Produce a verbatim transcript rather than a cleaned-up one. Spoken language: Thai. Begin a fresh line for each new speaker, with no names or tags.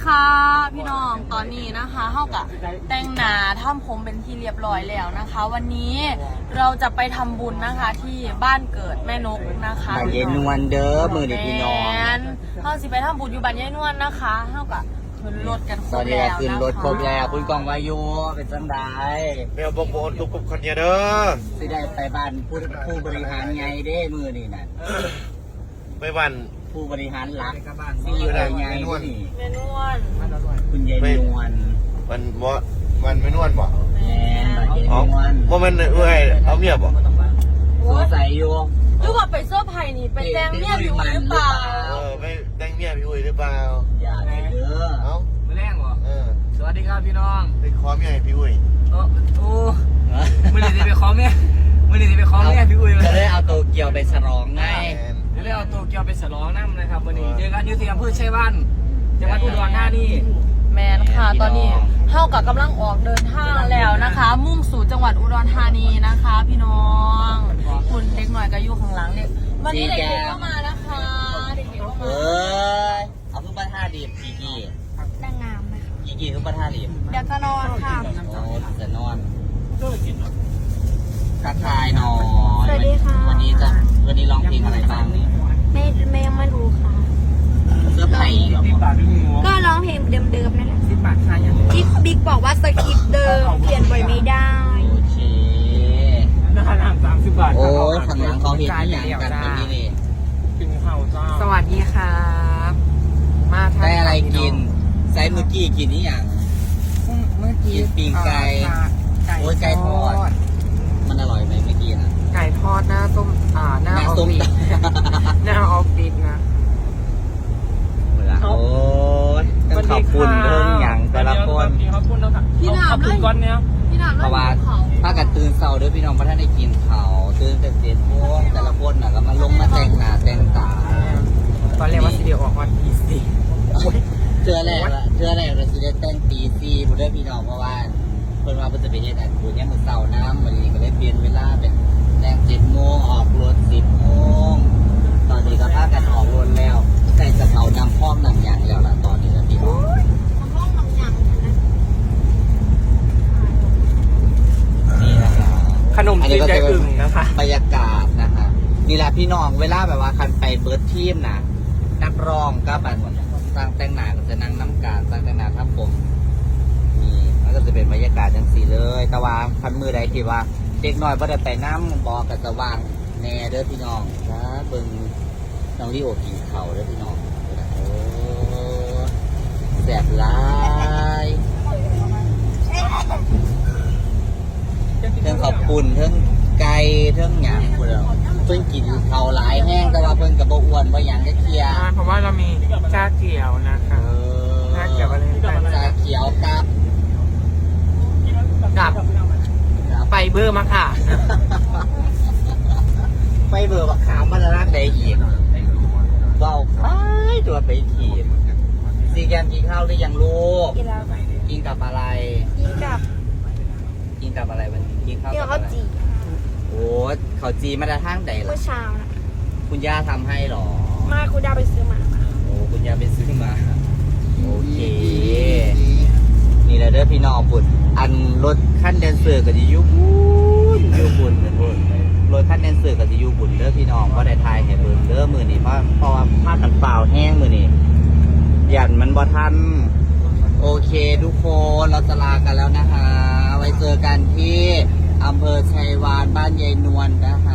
ค่ะพี่น้องตอนนี้นะคะเท่ากับแต่งหน้าทำผมเป็นที่เรียบร้อยแล้วนะคะ วันนี้เราจะไปทำบุญนะคะที่บ้านเกิดแม่นกนะคะ
บ้านยายนวลเด้อมือนี่พี่น้อง
เขาสิไปทำบุญอยู่บ้านยายนวลนะคะเท่ากับขึ้นรถกันคร
ตอบ นนี้
แล้ว
ขึ้นรถครบแล้วคุณกองวายุเป็นจังได
แมวบงบงตุกกับคนเดียเด้อ
สิได้ไปบ้านผู้ผู้บริหารไงเด้มือนี่น่ะ
ไปวัน
ผู้บริหารหลักซีอีโอไงนี่
แม่นวล
คุณยายนวล
วันวะวันไม่นวลบ่
แม่บ้านยาย
อ๋อน
วล
ว่ามันเอ้ยเอาเมียบ่
สงสัยอยู่
หรือว่าไปเสื้อไผ่นี่ไปแต่งเนี่ยอยู่หรือเปล่า
เออไปแต่งเมียพี่อุ้ยหรือเปล่า
อย่าเลยเด้อ
เอ้า
มือแรงเหรอ
เออ
สวัสดีครับพี่น้อง
ไปขอเมียให้พี่อุ้ย
โอ้โอ้มือหนีไปขอแม่มือหนีไปขอแม่พี่อุ้ยมา
จะได้เอาโตเกียวไปฉลองไง
เดี๋ยวเลยเอาตัวเกียวไปฉลองน้ำนะครับวันนี้เจอกันอยูที่อำเภอชัยวันจังหวัดอุดรธานี
แมนค่ะตอนนี้เท่ากับกำลังออกเดินทางแล้วนะคะ มุ่งสู่จังหวัดอุดรธานีนะคะ พี่น้องคุณเด็กหน่อยก็อยู่ข้างหลังเด็กวันนี้เด็กๆก็มานะคะเด็กๆก็
เอ
มา
้ยเอาขึ้นมาท่าดีบกี่กี่
นางงามนะคะ
กี่กี่ขึ้นมาท่าดีบ
เดี๋ยวจะนอนค่ะ
โอ้จะนอนทักทายหน่อย
สวัสดีค่ะ
วันนี้จะวันนี้ร้องเพลงอะไรบ้างเนี่ย
ไม่ไม่ยังไม่รู้ค่ะ
เสื้อผ้าอีกเหรอ
สิบบาทพี่หมู
ก็ร้องเพลงเดิมๆนั่นแหละ
สิบบาทค่ายัง
ที่บิ๊กบอกว่าสคริปต์เดิมเปลี่ยนบ่อยไม่ได้
โอเค
ราคาน้ำสามสิบบาท
โอ้ยข้างหลังเขาเห็นที่อย่างกันตรงนี้นี่
กินข้าวจ้าสวัสดีครับมาทาน
ได้อะไรกินไซส์เมื่อกี้กินนี่อย่าง
เมื่อกี้
กินปีกไก่โอ้ยไก่ทอด มันอร่อยไหมเมื่อกี้นะ
ไก่ทอดหน้าส้มอ่าหน้า
หน้า
ออฟ
ส้ม
ฟิศหน้าออฟฟิศนะ
โอ้ยต้องขอบคุณเรื่องอย่างแต่ละคน
ขอบคุณนะครับ
พี่หนาม
ขอบ
เล
คุณ
ย
ก้อนเนี้ย
พี่หนาม
เพราะว่าถ้ากันตื่นเช้าเด้อพี่น้องเพราะท่านได้กินเขาวตื่นแต่เจ็ดโมงแต่ละคนน่ะก็มาลงมาแต่งหน้าแต่งตา
ตอนแรกว่าสิเดียวออกวันที่สี่
เชื่อแรกละเชื่อแรกเราสิได้แต่งตีซีผู้ได้พี่น้องเพราะว่าเพิ่นว่าเพิ่นจะไปเฮ็ดอันบุญเนี่ยมื้อเช้าน้ำวันนี้ก็เลยเปลี่ยนเวลาเป็นแต่งเจ็ดโมงออกรถสิบโมงตอนนี้ก็พากันออกรถแล้วใส่กระเป๋านำห้องนำหยังแล้วล่ะตอนนี้นะพี่น้อง
ห้องน้ำยังนะ
นี่นะคะ
ขนมจีนใจอึ่งนะคะ
บรรยากาศนะคะนี่แหละพี่น้องเวลาแบบว่าคันไปเบิร์ดทีมนะนักร้องก็แบบสร้างแต่งหน้าก็จะนั่งน้ำการสร้างแต่งหน้าทำผมนี่มันก็จะเป็นบรรยากาศจังสีเลย แต่ว่าคันมือใดที่ว่าเด็กน้อยไ่ได้ไปน้ำบอกกับสว่างแน่เด้อพี่น้องนะเบิ่งน้องลิโอกินเขาเด้อพี่น้องโอ้แสบหลายเทิงขอบคุณเทิงไก่เทิงหยางพวกเราเพิ่งกินเขาหลายแห้งแต่ว่าเพิ่งกับโบอ้วนว่าอย่างก็เคลียร์
เพราะว่าเรามีชาเขียวนะคะชาเขียวอะไร
ชาเขียวกับ
กับไฟเบอร์มาค่ะ
ไฟเบอร์บักขามมันรักได้อีกเบาไปตัวไปถีบซีแกมกินข้าวหรือยังลูก
กินแล้ว
กินกับอะไร
กินกับ
กินกับอะไรวันนี้กินข้าว
กิน
กับ
ข้าว
อะไร
จี
โอ้เขาจีมาได้ทางใดล่ะ
เมื่อเช้านะ
คุณย่าทำให้หรอ
มาคุณดาวไปซื้อมา
โอ้คุณย่าไปซื้อมาโอเคนี่แหละเด้อพี่น้องปุ่นอันรถขั้นแดนเซอร์ก็จะอยุบุญอยุบุญเหมือนบุญรถขั้นแดนเซอร์ก็จะอยุบุญเด้อพี่น้องก็ได้ทายให้เบิ่งเด้อมือนี่เพราะเพราะว่าผ้ากันเปล่าแห้งมือนี่ยันมันบ่ทันโอเคทุกคนเราจะลากันแล้วนะคะ ไว้เจอกันที่อำเภอชัยวานบ้านยายนวลนะคะ